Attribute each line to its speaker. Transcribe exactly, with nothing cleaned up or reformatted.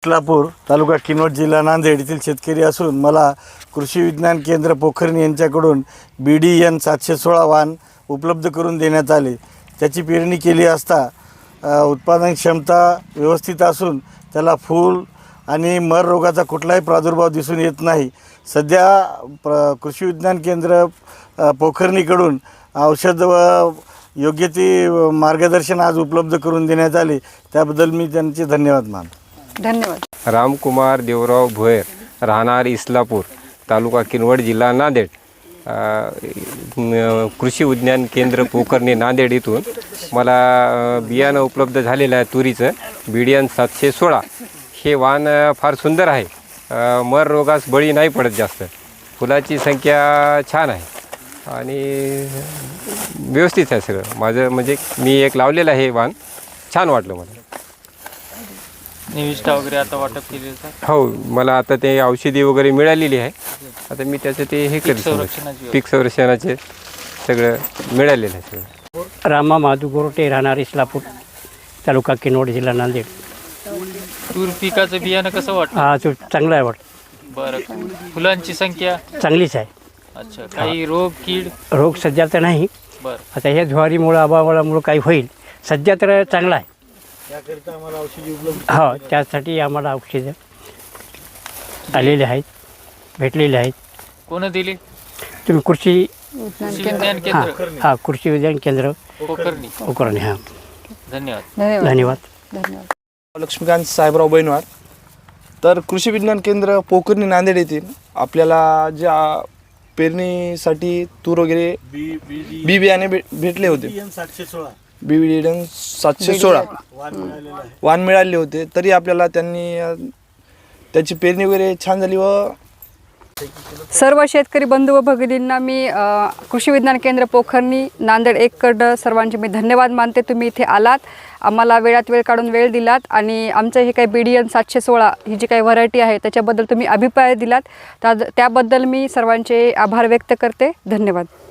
Speaker 1: इस्लापूर तालुका किनवट जिल्हा नांदेड येथील शेतकरी असून मला कृषी विज्ञान केंद्र पोखर्णी यांच्याकडून बी डी एन सातशे सोळा वाण उपलब्ध करून देण्यात आले। त्याची पेरणी केली असता उत्पादन क्षमता व्यवस्थित असून त्याला फूल आणि मर रोगाचा कुठलाही प्रादुर्भाव दिसून येत नाही। सध्या प्र कृषी विज्ञान केंद्र पोखर्णीकडून औषध व योग्य ती मार्गदर्शन आज उपलब्ध करून देण्यात आले, त्याबद्दल मी त्यांचे धन्यवाद मानतो।
Speaker 2: धन्यवाद। रामकुमार देवराव भोयर, राहणार इस्लापूर, तालुका किनवट, जिल्हा नांदेड। कृषी विज्ञान केंद्र पोखर्णी नांदेड इथून मला बियाणं उपलब्ध झालेलं आहे तुरीचं, बी डी एन सातशे सोळा। हे वाण फार सुंदर आहे, मर रोगास बळी नाही पडत जास्त, फुलाची संख्या छान आहे आणि व्यवस्थित आहे सगळं। माझं म्हणजे मी एक लावलेलं आहे वाण, छान वाटलं मला।
Speaker 3: निविष्ठा वगैरे आता वाटप केली आहे?
Speaker 2: हो, मला आता ते औषधी वगैरे मिळालेली आहे, आता मी त्याचं ते हे करतो, पीक संरक्षणाचे सगळं मिळालेलं आहे सगळं।
Speaker 4: रामा माधू गोरटे, राहणार इस्लापूर, तालुका किनवट, जिल्हा नांदेड।
Speaker 3: तूर पिकाचं बियाणं कसं वाटतं?
Speaker 4: हा, तो चांगला आहे वाटतं।
Speaker 3: बरं, फुलांची संख्या
Speaker 4: चांगलीच आहे।
Speaker 3: अच्छा, काही रोग कीड?
Speaker 4: रोग सध्या तर नाही,
Speaker 3: बरं।
Speaker 4: आता ह्या ज्वारीमुळं अभावामुळं काही होईल, सध्या तर चांगला आहे।
Speaker 1: त्याकरिता आम्हाला औषधी उपलब्ध
Speaker 4: हो, त्यासाठी आम्हाला औषधं आलेले आहेत, भेटलेले आहेत।
Speaker 3: कोण दिली?
Speaker 4: तुम्ही कृषी
Speaker 3: कृषी विज्ञान
Speaker 4: हां
Speaker 3: केंद्र
Speaker 4: हां कृषी विज्ञान केंद्र
Speaker 3: पोखर्णी।
Speaker 4: पोखर्णी, हां।
Speaker 3: धन्यवाद।
Speaker 4: धन्यवाद।
Speaker 5: लक्ष्मीकांत साहेबराव बैनवार। तर कृषी विज्ञान केंद्र पोखर्णी नांदेड येथील आपल्याला ज्या पेरणीसाठी तूर वगैरे बी बियाणे भे भेटले होते,
Speaker 1: सातशे सोळा
Speaker 5: बी बियाणे सातशे सोळा वाण मिळाले होते, तरी आपल्याला त्यांनी त्याची पेरणी वगैरे छान झाली। व
Speaker 6: सर्व शेतकरी बंधू व भगिनींना मी अ, कृषी विज्ञान केंद्र पोखर्णी नांदेड एककडं सर्वांचे मी धन्यवाद मानते। तुम्ही इथे आलात, आम्हाला वेळात वेळ काढून वेळ दिलात आणि आमचं हे काही बी डी एन सातशे सोळा ही जी काही व्हरायटी आहे त्याच्याबद्दल तुम्ही अभिप्राय दिलात, त्या त्याबद्दल मी सर्वांचे आभार व्यक्त करते। धन्यवाद।